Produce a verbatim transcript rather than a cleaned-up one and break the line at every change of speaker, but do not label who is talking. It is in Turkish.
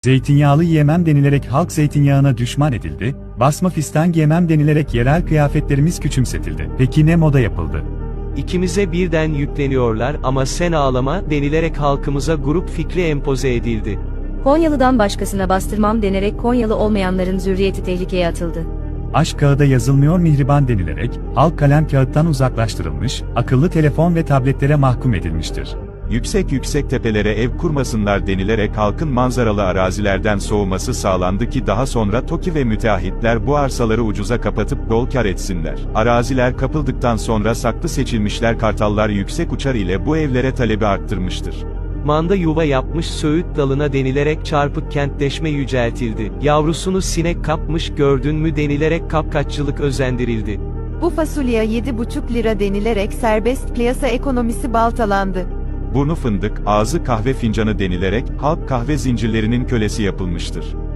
Zeytinyağlı yiyemem denilerek halk zeytinyağına düşman edildi, basma fistan giyemem denilerek yerel kıyafetlerimiz küçümsetildi. Peki ne moda yapıldı?
İkimize birden yükleniyorlar ama sen ağlama denilerek halkımıza grup fikri empoze edildi.
Konyalı'dan başkasına bastırmam denerek Konyalı olmayanların zürriyeti tehlikeye atıldı.
Aşk kağıda yazılmıyor mihriban denilerek, halk kalem kağıttan uzaklaştırılmış, akıllı telefon ve tabletlere mahkum edilmiştir.
Yüksek yüksek tepelere ev kurmasınlar denilerek halkın manzaralı arazilerden soğuması sağlandı ki daha sonra TOKİ ve müteahhitler bu arsaları ucuza kapatıp bol kar etsinler. Araziler kapıldıktan sonra saklı seçilmişler kartallar yüksek uçar ile bu evlere talebi arttırmıştır.
Manda yuva yapmış söğüt dalına denilerek çarpık kentleşme yüceltildi. Yavrusunu sinek kapmış gördün mü denilerek kapkaççılık özendirildi.
Bu fasulye yedi buçuk lira denilerek serbest piyasa ekonomisi baltalandı.
Burnu fındık, ağzı kahve fincanı denilerek halk kahve zincirlerinin kölesi yapılmıştır.